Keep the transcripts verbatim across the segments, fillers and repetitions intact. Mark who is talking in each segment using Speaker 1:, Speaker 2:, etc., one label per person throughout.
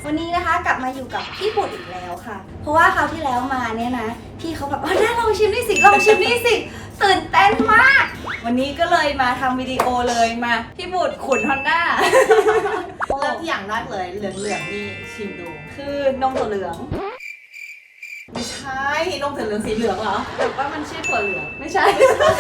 Speaker 1: วันนี้นะคะกลับมาอยู่กับพี่ปุดอีกแล้วค่ะ เพราะว่าคราวที่แล้วมาเนี่ยนะพี่เขาแบบอ๋อได้ลองชิมนี่สิลองชิมนี่สิตื่นเต้นมากวันนี้ก็เลยมาทำวิดีโอเลยมาพี่ปุดขุนฮอนด้า
Speaker 2: เริ่มที่อย่างแรกเลยเหลืองๆนี่ชิมดู
Speaker 1: คือนมถั่วเหลือง
Speaker 2: ไม่ใช่นมถั่วเหลืองสีเหลืองเหรอ
Speaker 1: แต่ว่ามันชื่อถั่วเหลืองไม่ใช่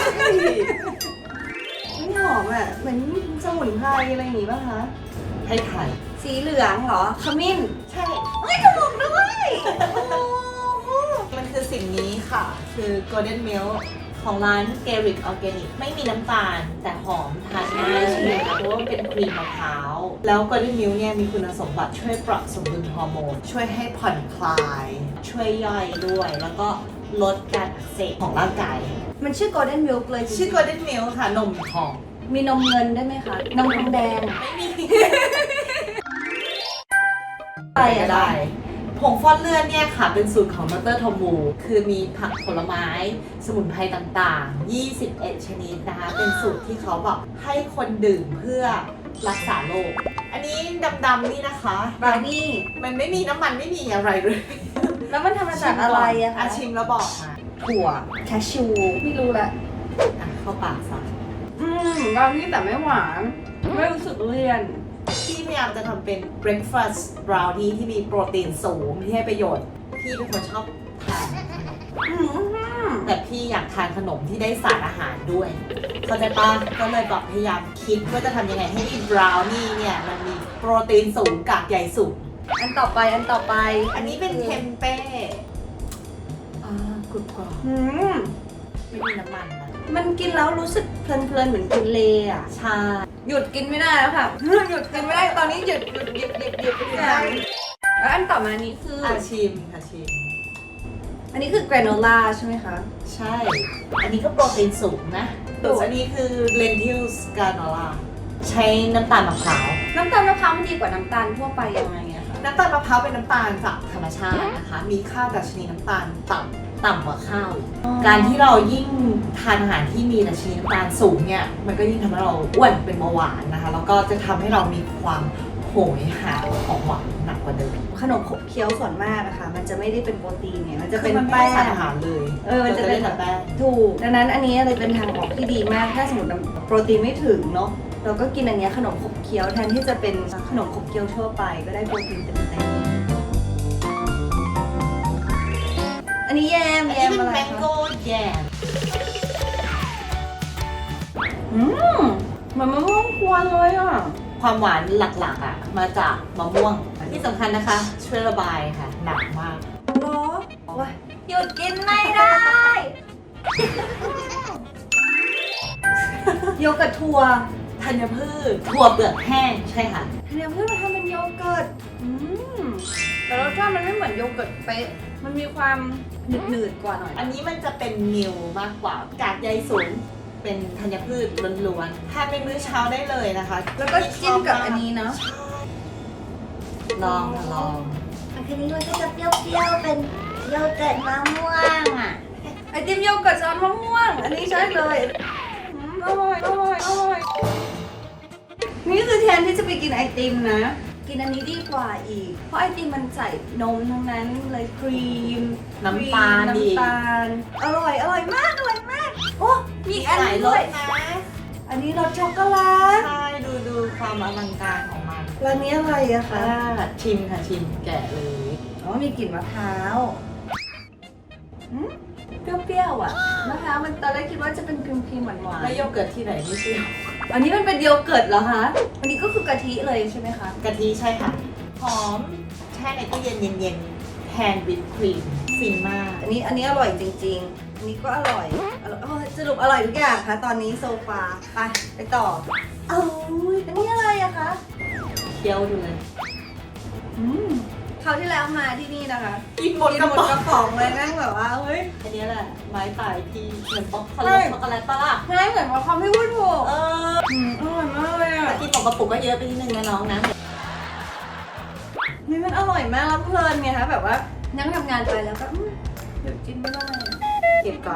Speaker 1: ไม่หอมอ่ะเหมือนสมุนไพรอะไรอย่างงี้ป่ะคะ
Speaker 2: ให้ไข่
Speaker 1: สีเหลืองเหรอขมิ้น
Speaker 2: ใช่
Speaker 1: เฮ้ยถูกด้วยโอ้
Speaker 2: มันคือสิ่งนี้ค่ะ คือ Golden Milk ของร้าน Garrick Organic ไม่มีน้ำตาลแต่หอมทานง่ายใช่ไหมคะเพราะว่าเป็นครีมมะพร้าวแล้ว Golden Milk เนี่ยมีคุณสมบัติช่วยปรับสมดุลฮอร์โมน ช่วยให้ผ่อนคลาย ช่วยย่อยด้วย แล้วก็ลดการอักเสบของร่างกาย
Speaker 1: มันชื่อ Golden Milk เลยจริงๆ
Speaker 2: ชื่อ Golden Milk ค่ะนมทอง
Speaker 1: มีนมเงินได้ไหมคะนมทองแดง
Speaker 2: ไม่มี
Speaker 1: ไปอะ
Speaker 2: ได้ ผงฟอกเลือดเนี่ยค่ะเป็นสูตรของดรทอมวูคือมีผักผลไม้ สมุนไพรต่างๆ ยี่สิบเอ็ด ชนิดนะคะ เป็นสูตรที่เขาแบบให้คนดื่มเพื่อรักษาโรค อันนี้ดำๆนี่นะคะ
Speaker 1: บราวนี่
Speaker 2: มันไม่มีน้ำมันไม่มีอะไรเลย
Speaker 1: แล้วมันทำมาจากอะไรอะคะ
Speaker 2: ชิมแล้วบอกมา
Speaker 1: ถั่วแคชชูไม่รู้ละ
Speaker 2: อ่ะเข้าปากซะ
Speaker 1: อืมบราวนี่แต่ไม่หวานไม่รู้สึกเลี่ยน
Speaker 2: พี่พยายามจะทำเป็น breakfast brownie ที่มีโปรตีนสูงที่ให้ประโยชน์ พี่เป็นคนชอบทานขนม
Speaker 1: อืม
Speaker 2: แต่พี่อยากทานขนมที่ได้สารอาหารด้วย เข้าใจปะก็เลยแบบพยายามคิดว่าจะทำยังไงให้บราวนี่เนี่ยมันมีโปรตีนสูงกากใยสูง
Speaker 1: อันต่อไปอันต่อไป
Speaker 2: อันนี้เป็นเทมเป้อ่ากรุบกรอบ
Speaker 1: อืม
Speaker 2: ไม่มีน้ำมันนะ
Speaker 1: มันกินแล้วรู้สึกเพลินๆเหมือนกินเลอะ
Speaker 2: ใช่
Speaker 1: หยุดกินไม่ได้แล้วค่ะ หยุดกินไม่ได้ตอนนี้หยุดหยุดหยุดหยุดหยุดหยุดแล้วอันต่อมานี้คือ
Speaker 2: อาชิมค่ะชิม
Speaker 1: อันนี้คือแกรโนล่าใช่ไหมคะ
Speaker 2: ใช่ อันนี้ก็โปรตีนสูงนะ
Speaker 1: สู
Speaker 2: ส่
Speaker 1: ง
Speaker 2: วนอันนี้คือ lentils granola ใช้น้ำตาลมะพร้าว
Speaker 1: น้ำตาลมะพร้าวมันดีกว่าน้ำตาลทั่วไปยังไงอะคะ
Speaker 2: น้ำตาลมะพร้าวเป็นน้ำตาลจากธรรมชาตินะคะ มีค่าดัชนีน้ำตาลต่ำต่ำกว่าข้าวอีกการที่เรายิ่งทานอาหารที่มีดัชนีน้ำตาลสูงเนี่ย มันก็ยิ่งทำให้เราอ้วนเป็นเบาหวานนะคะ แล้วก็จะทำให้เรามีความโหยหาของหวานหนักกว่าเดิม
Speaker 1: ขนมขบเคี้ยวส่วนมากอะค่ะ มันจะไม่ได้เป็นโปรตีนเนี่ยมันจะ
Speaker 2: คื
Speaker 1: เป็
Speaker 2: อน มันไม่
Speaker 1: แป้
Speaker 2: ได้สาร
Speaker 1: ง
Speaker 2: อาหารเลย
Speaker 1: เออมันจะเป็น
Speaker 2: แต่แป้ง
Speaker 1: ถูกดังนั้นอันนี้เลยเป็นทางออกที่ดีมากถ้าสมมติโปรตีนไม่ถึงเนาะเราก็กินอันเนี้ยขนมขบเคี้ยวแทนที่จะเป็นขนมขบเคี้ยวทั่วไปก็ได้โปรตีนเต็มๆอันนี้แยม
Speaker 2: อัน
Speaker 1: แย
Speaker 2: นี้
Speaker 1: ม
Speaker 2: เป็น
Speaker 1: อะไร
Speaker 2: แมงโก้
Speaker 1: คะ
Speaker 2: แยม
Speaker 1: อืมเหมือนมะม่วงกวนเลยอ่ะ
Speaker 2: ความหวานหลักๆอ่ะมาจากมะม่วง ที่สำคัญนะคะ ช่วยระบายค่ะ หนักมาก
Speaker 1: หรอว้ายหยุดกินไม่ได้ โยเกิร์ตถั่ว
Speaker 2: ธัญพืชถั่วเปลือกแห้งใช่ค่ะ
Speaker 1: ธัญพืชมาทำเป็นโยเกิร์ตอืมแต่รสชาติมันไม่เหมือนโยเกิร์ตเป๊ะมันมีความหนืดๆกว่าหน่อย
Speaker 2: อันนี้มันจะเป็นมิลมากกว่ากากใยสูงเป็นธัญพืชล้วนๆทานเป็นมื้อเช้าได้เลยนะคะ
Speaker 1: แล้วก็จิ้มกับอันนี้เนาะ
Speaker 2: ลองค่ะลอง
Speaker 1: อันนี้มันก็จะเปรี้ยวๆเป็นโยเกิร์ตมะม่วงอ่ะไอติมโยเกิร์ตซอสมะม่วง อันนี้ใช่เลยอืมอร่อยอร่อยอร่อยนี่คือแทนที่จะไปกินไอติมนะ กินอันนี้ดีกว่าอีก เพราะไอติมมันใส่นมทั้งนั้นเลยครีม
Speaker 2: น้ำตาลดี
Speaker 1: น้ำตาลอร่อยอร่อยมากอร่อยมากโอ้มีอีกอัน
Speaker 2: หลาย
Speaker 1: นี้
Speaker 2: ร
Speaker 1: ด้ว
Speaker 2: ส
Speaker 1: ย
Speaker 2: นะ
Speaker 1: อันนี้รสช็อกโกแลต
Speaker 2: ใช่ดูดูความอลังการของมัน
Speaker 1: ร้านนี้อะไรอะคะ
Speaker 2: ค่ะชิมค่ะชิมแกะเลย
Speaker 1: อ๋อมีกลิ่นมะพร้าวอืมเปรี้ยวๆอ่ะมะพร้าวมันตอนแรกคิดว่าจะเป็นครีมครีมๆหวาน
Speaker 2: แล้วโยเกิร์ตที่ไหนไม่เปรี้ยว
Speaker 1: ๆอันนี้มันเป็นโยเกิร์ตเหรอคะ อันนี้ก็คือกะทิเลยใช่ไหมคะ
Speaker 2: กะทิใช่ค่ะ หอมแช่ในตู้เย็นเย็นๆแทนวิปครีมฟินมาก
Speaker 1: อันนี้อันนี้อร่อยจริงๆ อันนี้ก็อร่อยอร่อยอ๋อสรุปอร่อยทุกอย่างค่ะ ตอนนี้โซฟาไปไปต่อเอ้ยอันนี้อะไรอะคะ
Speaker 2: เคี้ยวดูเลย
Speaker 1: อืมคราวที่แล้วมาที่นี่นะคะ
Speaker 2: กินหมด
Speaker 1: กิน
Speaker 2: กระ
Speaker 1: หมด
Speaker 2: ป๋อง
Speaker 1: กระป๋องเลยนั่งแบบว่าเฮ้ย
Speaker 2: อันนี้แหละไม้ตายพี่เหมือนป๊อกโก
Speaker 1: ใช่
Speaker 2: แลตช็อกโกแลตปะล่ะ
Speaker 1: ง่ายเหมือนว่าความไม่พูดถูก
Speaker 2: เออ
Speaker 1: อืมอร่อยมากเลยอะ
Speaker 2: แต่กินของกระปุกก็เยอะไปนิดนึงนะน้องนะ
Speaker 1: นี่มันอร่อยมากแล้วเพลินไงคะแบบว่านั่งทำงานไปแล้วก็อืมหยุดกินไม่ได้
Speaker 2: เก็บก่อน ข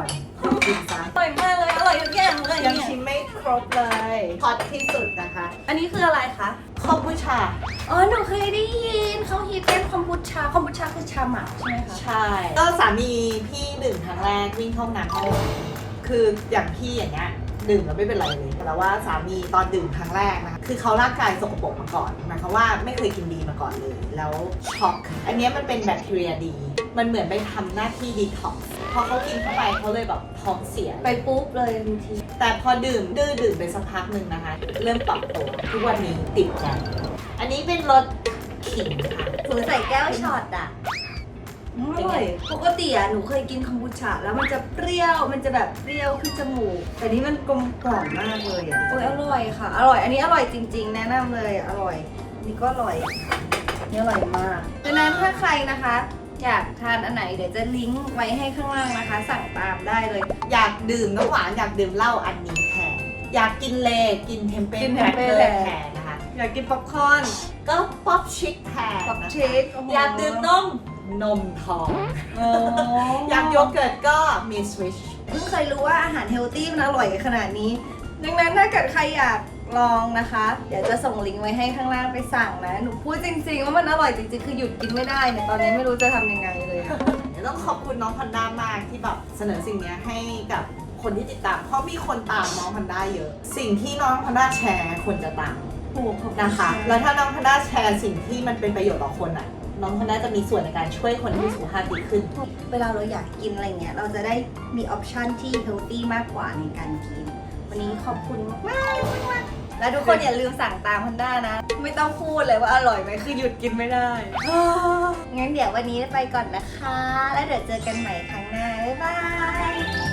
Speaker 2: กินซะ
Speaker 1: อร่อยมากเลย อร่อยทุกอย่างเลย
Speaker 2: ยัง
Speaker 1: เนี่ย
Speaker 2: ชิมไม่ครบเลยฮอตที่สุดนะคะ
Speaker 1: อันนี้คืออะไรคะ
Speaker 2: คอมบูชา
Speaker 1: อ๋อ หนูเคยได้ยินเขาฮิตกันคอมบูชา คอมบูชาคือชาหมักใช่ไหมคะ
Speaker 2: ใช่ ก็สามีพี่ดื่มครั้งแรกวิ่งเข้าห้องน้ำเขาคืออย่างพี่อย่างเงี้ยดื่มแล้วไม่เป็นไรเลยแต่ว่าสามีตอนดื่มครั้งแรกนะคะคือเขาร่างกายสกปรกมาก่อนหมายความว่าไม่เคยกินดีมาก่อนเลย แล้วช็อกอันเนี้ยมันเป็นแบคทีเรียดี มันเหมือนไปทำหน้าที่ดีท็อกซ์พอเขากินเข้าไปเขาเลยแบบท้องเสีย
Speaker 1: ไปปุ๊บเลยทันที
Speaker 2: แต่พอดื่มดื้อดื่มไปสักพักหนึ่งนะคะ เริ่มปรับตัวทุกวันนี้ติดใจอันนี้เป็นรสขิงค่ะ
Speaker 1: ถือใส่แก้วช็อตอ่ะอร่อยปกติอ่ะหนูเคยกินคอมบูชาแล้วมันจะเปรี้ยว มันจะแบบเปรี้ยวขึ้นจมูก แต่นี้มันกลมกล่อมมากเลยอ่ะ โอ้ยอร่อยค่ะ อร่อย อันนี้อร่อยจริงๆ แนะนำเลย อร่อย อันนี้ก็อร่อยอันนี่อร่อยมากดังนั้นถ้าใครนะคะ อยากทานอันไหนเดี๋ยวจะลิงก์ไว้ให้ข้างล่างนะคะ สั่งตามได้เลย
Speaker 2: อยากดื่มน้ำหวานอยากดื่มเหล้าอันนี้แทนอยากกินเลกินเทมเป้
Speaker 1: กิน
Speaker 2: แครกเกอ
Speaker 1: เทม
Speaker 2: ร์
Speaker 1: เป้
Speaker 2: แทนนะคะ
Speaker 1: อยากกินป๊อปคอร์น
Speaker 2: ก็ป๊อปชิคแทน
Speaker 1: ป๊อป
Speaker 2: นะคะ
Speaker 1: เชคโโห
Speaker 2: อยากดื่มนมนมทอง
Speaker 1: โอ้
Speaker 2: อยากโยเกิร์ตก็มีสวิช
Speaker 1: เพิ่งเคยรู้ว่าอาหารเฮลตี้มันอร่อยขนาดนี้ ดังนั้นถ้าเกิดใครอยากลองนะคะ เดี๋ยวจะส่งลิงก์ไว้ให้ข้างล่างไปสั่งนะ หนูพูดจริงๆว่ามันอร่อยจริงๆ คือหยุดกินไม่ได้เนี่ย ตอนนี้ไม่รู้จะทำยังไงเลยอะ
Speaker 2: เดี๋ยวต้องขอบคุณน้องพันด้ามากที่แบบเสนอสิ่งเนี้ยให้กับคนที่ติดตาม เพราะมีคนตามน้องพันด้าเยอะ สิ่งที่น้องพันด้าแชร์คนจะตาม
Speaker 1: โอ้โหขอบณ
Speaker 2: นะคะ แล้วถ้าน้องพันด้าแชร์สิ่งที่มันเป็นประโยชน์ต่อคนอ่ะ น้องพันด้าจะมีส่วนในการช่วยคนที่สุขภาพดีขึ้น
Speaker 1: เวลาเราอยากกินอะไรเงี้ย เราจะได้มีออปชันที่เฮลตี้มากกว่าในการกิน วันนี้ขอบคุณมากๆมากๆแล้วทุกคนอย่าลืมสั่งตามพันด้านะ ไม่ต้องพูดเลยว่าอร่อยไหมคือหยุดกินไม่ได้ งั้นเดี๋ยววันนี้ไปก่อนนะคะ แล้วเดี๋ยวเจอกันใหม่ครั้งหน้า บ๊ายบาย